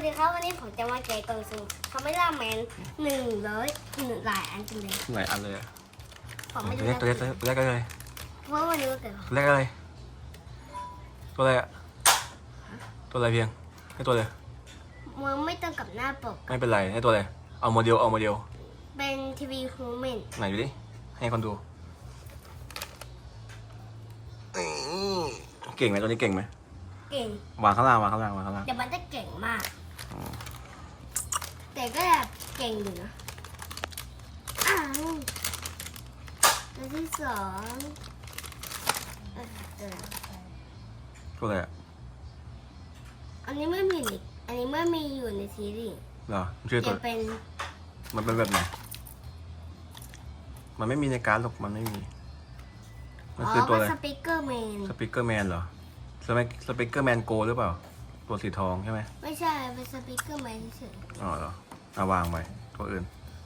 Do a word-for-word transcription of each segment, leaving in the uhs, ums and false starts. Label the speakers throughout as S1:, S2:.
S1: วัสดีครับวันนี้ผมจะมาแกะกล่องสุ่มคาเมล่าแมนหนึ่งร้อยหนึ่งหลายอันจังเลย
S2: หลายอันเลย
S1: ผมไม่
S2: ตัว
S1: รู้
S2: เล็กตัวเล็กตัวเล็กอะไร
S1: เพราะวันนี้วันเกิด
S2: ตัวเล็กอะไรตัวอะไรอะตัวอะไรเพียงให้ตัวเลย
S1: มันไม่ต้องกับหน้าปก
S2: ไม่เป็นไรให้ตัวอะไรเอาโมเดลเอาโมเดล
S1: เป็นทีวีฮูแมน
S2: ไหนดูดิให้คนดูอื้อเก่งไหมตัวนี้เก่งไหม
S1: เก่ง
S2: วางข้างล่างวางข้างล่างวางข้างล่าง
S1: แต่มันจะเก่งมาก แต่ก็แบบเก่งอยู่นะอ้าวตัวที่สองเอ่อเออ
S2: ตัวอะไรอะ
S1: อันนี้ไม่มีในอันนี้ไม่มีอยู่ในซีรีส์
S2: เหรอมันชื่อตั
S1: จะ
S2: ว
S1: เป็น
S2: มันเป็นแบบไหนมันไม่มีในการ์ดหรอกมันไม่มีมัน
S1: อ๋อ
S2: คือตัว
S1: เป็
S2: อะไร
S1: นสปีกเกอร์แมน
S2: สปิเกอร์แมนเหรอสเปสปิเกอร์แมนโกหรือเปล่าตัวสีทองใช่ไหม
S1: ไม่ใช่เป็นสปีกเกอร์แมนเฉย
S2: อ๋อเหรอเอาวางไว้ตัวอื่น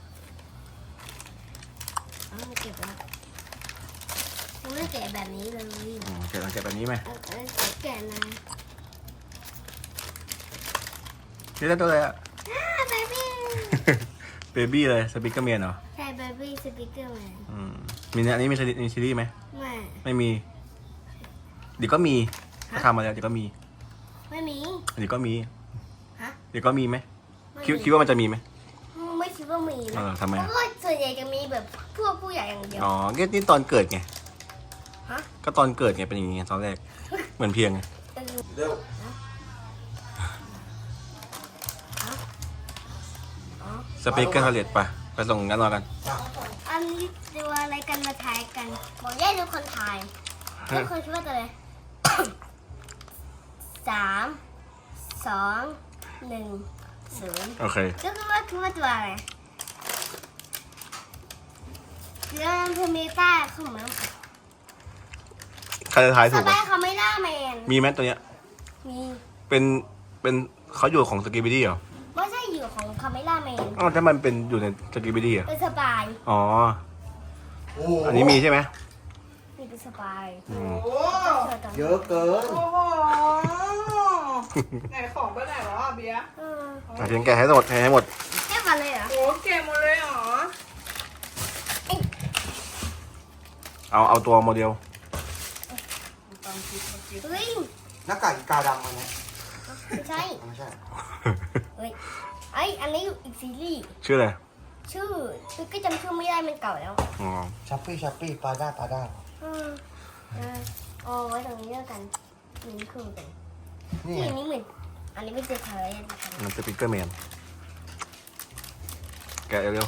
S1: ๆเอามาเก็บแล้วผมไม่ได้แกะแบบนี้เลย
S2: อืมเก็บเก็บแบบนี้ไหม
S1: เออเออแกะนะ
S2: นี่ได้ตัวอะไรอะ
S1: อ่าเบบี้
S2: เบบี้เลยสปิเกอร์แมนเหรอ
S1: ใช่เบบี้สปีกเกอร์แมน
S2: อืมมีเนี่ยอันนี้มีซีรีส์มีซีรีส์ไหม
S1: ไม่
S2: ไม่มีเดี๋ยวก็มีถ้าทำมาแล้วเดี๋ยวก็มี
S1: ไม่มี
S2: เดี๋ยวก็มี
S1: ฮะ
S2: เดี๋ยวก็มีไหม
S1: ไม่
S2: คิด
S1: มี
S2: คิดว่ามันจะมีไหม
S1: ไม่คิดว่ามี
S2: เอ
S1: นะ
S2: อทำไม
S1: เพ
S2: อะ
S1: ราะว่าส่วนใหญ่จะมีแบบพวกผู้ใหญ่อย่างเดียว
S2: อ๋อก็นี่ตอนเกิดไง
S1: ฮะ
S2: ก็ตอนเกิดไงเป็นอย่างงี้ไงตอนแรกเหมือนเพียงไง
S1: เออ
S2: เร็ว
S1: อ๋อ
S2: สปิเกอร์ทาเลตไปไปส่งกันรอกัน
S1: อันนี้ดูอะไรกันมาทายกันบอกแย่ทุกคนทายทุกคนคิดว่าตัวอะไร สามสองหนึ่งศูนย์
S2: โอเค
S1: ก็คือว่าคือว่าตัวอะไรเรื่องเพเมต้าของมัน
S2: ใครจะทาย
S1: ส
S2: ถูก
S1: บา
S2: อ่ะ
S1: ยเขาไม่ล่าแมน
S2: มีไหมตัวเนี้ย
S1: มี
S2: เป็นเป็นเขาอยู่ของสกีบิดี้เหรอ
S1: ไม่ใช่อยู่ของคาเมล่าแมน
S2: อ๋อถ้ามันเป็นอยู่ในสกีบิดี้อ่ะ
S1: เป็นสบาย
S2: อ๋ออันนี้มีใช่ไหม
S1: มีเป็นสบาย
S2: อืม
S3: โอ้
S4: เยอะเกิน
S3: โอ้โหไหนของไปไหนแล้วอ่ะเบียร์
S1: เออ
S2: อ่ะเพียงแกะให้หมดแกะให้หมด
S1: แค่มาเลยเหรอ
S3: โอ้เก็บหมดเลยเหรอ
S2: เอาเอาตัวโมเดล
S1: เฮ้ย
S4: หน้ากากอีกาดำมาเนี่ย
S1: ไม่ใช่
S4: ไม่ใช่
S1: เฮ้ยไออันนี้อยู่อีกซีรีส์
S2: ชื่ออะไร
S1: ชื่อคือก็จำชื่อไม่ได้มันเก่าแล้ว
S2: อ๋อ
S4: ชัปปี้ชัปปี้ปลาด้าปลาด้า
S1: เออเออเอาไว้ตรงนี้แล้วกันนี่คือกัน
S4: นี่
S1: ที่
S4: ไง
S1: อันนี้เหมือนอันนี้ไม่เจอเธอเลยนะคะ
S2: มันสปิเกอร์แมนแกะเร็ว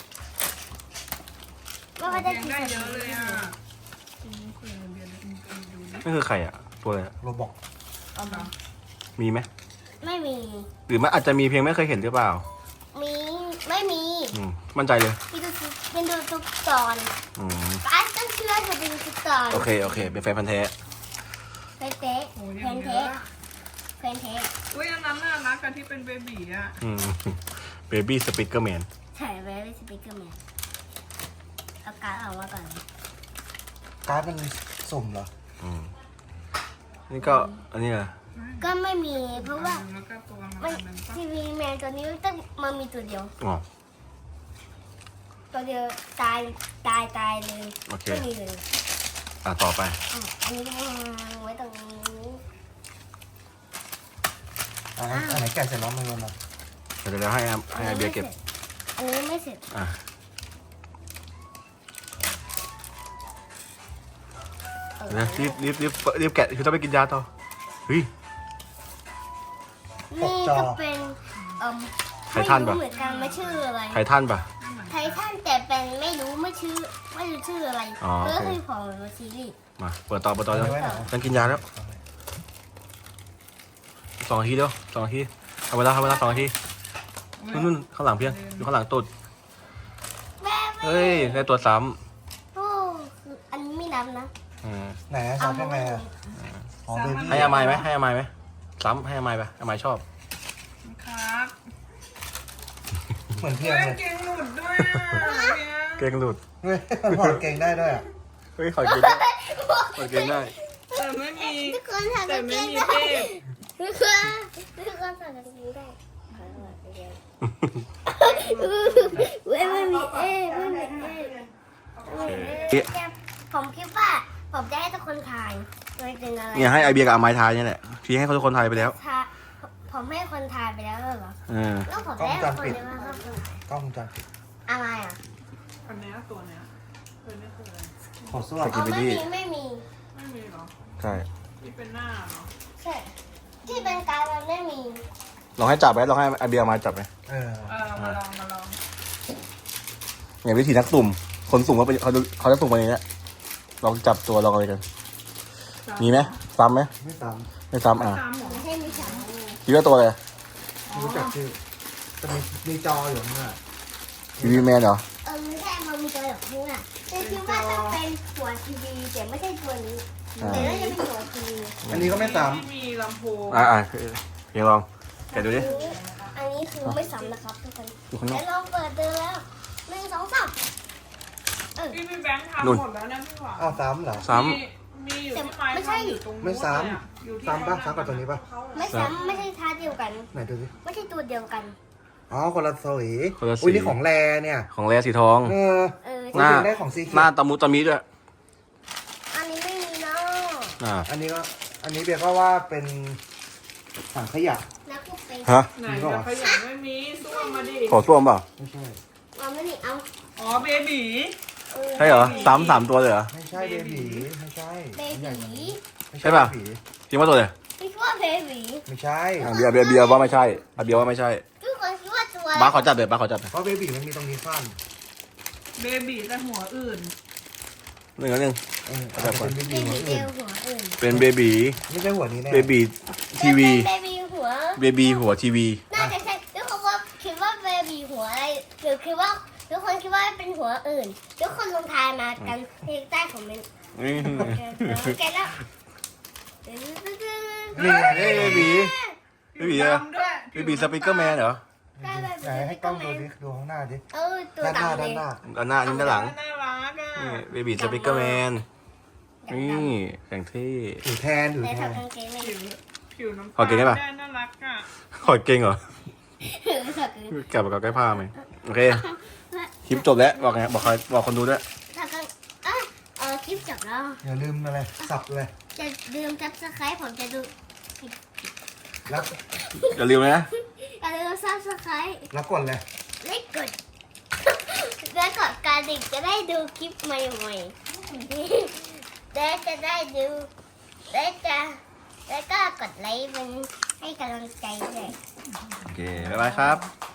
S1: ว่าก็ได้
S3: ยัง
S1: ที
S3: ได้
S1: เดี
S3: เย
S1: ยว
S3: อะเลยอ่ะอืมคุยกับเบียร์ดูดูดิ
S2: ๆนี่คือใครอ่ะตัวอะไรอะ
S4: โรบอก
S3: เอาเหรอ
S2: มีไหม
S1: ไม่มี
S2: หรือมันอาจจะมีเพียงไม่เคยเห็นหรือเปล่า
S1: มีไม่มี
S2: อืมมั่นใจเลย
S1: เป็นดูเป็นดูทุกตอน
S2: อืม
S1: ป้าต้องเชื่อเธอเป็นทุกตอน
S2: โอเคโอเคเป็นแฟนพันธ์แท้
S1: เป๊ะเป๊ะ
S3: โอ้ย
S1: เพ
S3: ยัง
S1: น
S3: เย
S1: เท
S3: อะ
S1: สเพนเทส
S3: อุ้ยอันนั้นน่ารักกันที่เป็นเบบีอ่ะ
S2: อืมเบบี้สปิเกอร์แมน
S1: ใช่ไว้เป็นสปีกเกอร์แมนเอาการดออกมาก่อน
S4: การ์ดมันสุ่มเหรอ
S2: อืมนี่ก็อันนี้แหละ
S1: ก็ไม่มีเพราะว่า
S3: แล้วก็ตัวมัน
S1: มัน
S3: อันนั้นปะ
S1: ทีวีแมนตัวนี้ต้องมันมีตัวเดียว
S2: อ๋อ
S1: ตัวเดียวตายตายตายเลย
S2: โอเค
S1: ไม่มีเลย
S2: อ่ะต่อไป
S1: อ่ะอันนี้วางไว้ตรงนี้
S4: อันนั้นอันไหนแกะเสร็จแล้วมันมันอะ
S2: เดี๋ยวเดี๋ยวให้อาให้อาเบียร์เก็บ
S1: อันนี้ไม่เสร็จ
S2: อ่ะ
S1: อัน
S2: เดี๋
S1: นี้
S2: ยวรีบรีบรีบรีบแกะคือต้องไปกินยาต่อเฮ้ย
S1: นี่ก็เป็นเอ่ม
S2: ไททันปะ
S1: ไม่รู้เหมือนกันไม่ชื่ออะไร
S2: ไททันปะ
S1: ไททันแต่เป็นไม่รู้ไม่ชื่อไม่รู้ชื่ออะไร
S2: อ๋อ
S1: เพื่อ
S2: โอเค
S1: คือของซีรีส์
S2: มาเปิดต่อเปิดต่อ
S4: เอา
S2: แล้ว
S4: ไว้ไหน
S2: ฉันกินยาแล้วสองนาทีเดียวสองนาทีเอาเวลาเอาเวลาสองนาทีนู่นนู่นข้างหลังเพียงอยู่ข้างหลังตุด
S1: แม่แม่
S2: เฮ้ยได้ตัวซ้
S1: โอ้อันนี้ไม่นับนะ
S2: ำอืม
S4: ไหนนะซับยังไงอะอ๋อเบบี้
S2: ให้อามายไหมให้อามายไหมซ้ำให้อามายไปอามายชอบ
S3: ครับ
S4: เหมือนเพีย
S3: เฮ้
S4: ง
S3: ย
S4: เลย
S3: เก่งหลุดด้วยอ่ะเบียร์
S2: เก่งหลุด
S4: เฮ้ยมันถอดเกงได้ด้วยอะ
S2: เฮ้ยขอกินได้ขอกินได้
S3: แต่ไม่มี
S1: ทุกคนทำ
S3: แต่
S1: กัน
S3: ไม่
S1: เก่ง
S3: มี
S1: ได้
S3: เทพ
S1: ทุกคนทุกคนทำกันเก่งได้เว้ยไม่มีเอไม่มีเอ
S2: เอ๊ะ
S1: ผมคิดว่าผมจะให้ทุกคนทายโดยเป็นอะไร
S2: เนี่ยให้ไอเบียกับอาไม้ทายเนี่ยแหละพี่ให้เขาทุกคนทายไปแล้ว
S1: ทายผมให้คนทายไปแล้วเหรอ
S2: เออ
S1: แล้วผมได้คนเดียวครับ
S4: กล้องวงจรปิด
S1: อะไรอ่ะ
S3: อันเนี้ยตัวเนี้ยตัวนี้คืออะไร
S4: ขอส้วม
S1: อ๋อไม่มีไม่มี
S3: ไม่มีหรอ
S2: ใช่
S3: ที่เป็นหน้าเนาะ
S1: ใช่ที่เป็นการมันไม่มี
S2: ลองให้จับไหมลองให้ไอเบียเอาไม้จับไหม
S4: เออ
S3: เออมาลองมาลอง
S2: อย่างวิธีนักสุ่มคนสุ่มเขาเป็นเขาเขาจะสุ่มวันนี้แหละลองจับตัวลองอะไรกัน มีไหมซ้ำไหม
S4: ไม่ซ้
S2: ไม่ซ้ำอ่ะ
S3: ตามหมอ
S1: ให้มีสาม
S2: คิดว่าตัวอะไร
S4: ำรู้จักชื่อจะมีมีจออยู่ข้างหน้า
S2: ทีวีแมนเหรอ
S1: เออไม่ใช่มันมีตัวแบบนี้อ่ะแต่คิดว่าต้องเป็นหัวทีวีแต่ไม่ใช่ตัวนี้แต่น่าจะเป็นหัวทีวี
S4: อันนี้ก็ไม่ซ้
S3: ไม่มีลำโพง
S2: อ่ะอ่ะเพียงลองแกะดูดิ
S1: อันนี้คือไม่ซ้ำนะครับทุกคน
S2: ดูข้างนอ
S1: แล้
S2: ก
S1: วลองเปิดดูแล้วหนึ่งสองสามเออ
S3: พี่พี่แบงค์ทำหมดแล้วนะพี่หวาน
S4: ำอ้าวซ้ำเหรอ
S2: ซ้
S3: มีมีอยู่ที่ไม้ทำอยู่ตรงนู้น
S4: ไม่ซ้ำ
S3: เลยอะอยู่ที่
S4: ซ้ำปะซ้ำกับตัวนี้ปะ
S1: ไม่ซ้ำไม่ใช่ท่าเดียวกัน
S4: ไหนดูสิ
S1: ไม่ใช่ตัวเดียวกัน
S4: อ๋อคนละสี
S2: ำคนละ
S4: อุ้ย
S2: สี
S4: นี่ของแรเนี่ย
S2: ของแรสีทอง
S4: เออ
S1: เออ
S2: หน้า
S4: ได้ของสีเขี
S2: หน้า
S4: ยว
S2: ตะมุตะมิด้วย
S1: อันนี้ไม่มีเนาะ
S2: อ่า
S4: อันนี้ก็อันนี้เบียร์ก็ว่าเป็นถังขยะ
S1: แล้วก็เป็น
S2: ฮะ
S3: ไหนจะขยันไม่มีส้วมมาดิ
S2: ขอส้วมเปล่า
S4: ไม่ใช่
S1: เอาไม่นี่เอา
S3: อ๋อเบบี
S1: เออ
S2: ใช่เหรอซ้ำสามตัวเลยเหรอ
S4: ไม่ใช่เบบีไม่ใช่
S1: เบ
S4: อันใหญ่กว่า
S1: บี
S4: นี้ไม่
S2: ใช่ปะ
S4: เบบี
S2: คิดว่าตัวเลย
S1: คิดว่าเบบี
S4: ไม่ใช่
S2: อ่ะเบียร์เบียร์เบียร์ว่าไม่ใช่อ่ะเบียร์ว่าไม่ใช่
S1: ทุกคนคิดว่าตัว
S2: บ้าสขอจับเดี๋ยวบ้าสขอจับหน่อย
S4: เพราะเบบีมันมีตรงนี้ขั้น
S3: เบบีแต่หัวอื่น
S2: หนึ่งอันหนึ่ง
S4: เอออาจจะเป็นเบ
S1: เบ
S4: บีหัว
S1: บีเดี
S4: อื่
S1: ย
S4: น
S1: วหัวอื่น
S2: เป็นเบบี
S4: ไม่ใช่หัวนี้แน่
S2: เบบีทีวี
S1: เบบีหัว
S2: เบบีหัวทีวี
S1: น่าจะใช่ทุกคนว่าคิดว่าเบบีหัวอะไรหรือคิดว่าทุกคนคิดว่าเป็นหัวอื่นทุกคนลงทายมากันที่ใต้คอมเมนต์
S2: อืม
S1: แกแล้ว
S4: นี่ไง
S2: เฮ้ยเบบีเบบีอะ
S3: ดำด้วย
S2: เบบีสปีกเกอร์แมนเหรอ
S4: ไหนให้กล้องดูดิดูข้างหน้าดิ
S1: เออตัว
S4: ด้านหน้า
S1: ดำเล
S4: ด้าน
S1: ย
S4: หน้า
S2: ด้านหน้าอันนี้ด้านหลัง
S3: น่ารักอ่ะ
S2: นี่เบบีสปีกเกอร์แมนนี่อย่างเท่
S4: ถือแทนถือ
S1: แต่
S4: แทน
S1: ทำกางเกงเลย
S3: ผิวผิวน้ำ
S2: ขอกินได้ปะ
S3: น่ารักอ่ะ
S2: ขอเก่งเหรอ
S1: ถือสัก
S2: กลับกับใกล้ผ้าไหมโอเคคลิปจบแล้วบอกไงบอกใครบอกคนดูด้วย
S1: ถ้าก็เออเออคลิปจบแล้ว
S4: อย่าลืมอะไรสับเลย
S1: จะลืมซับสไครต์ผมจะดู
S4: แล้ว
S2: อย่าลืมนะ
S1: อย่าลืมซับสไครต์
S4: แล้วกดเลย
S1: และกด และกดกระดิ่งจะได้ดูคลิปใหม่ๆและจะได้ดูและจะและก็กดไลค์มันให้กำลังใจด้วย
S2: โอเคบ๊ายบายครับ
S1: บ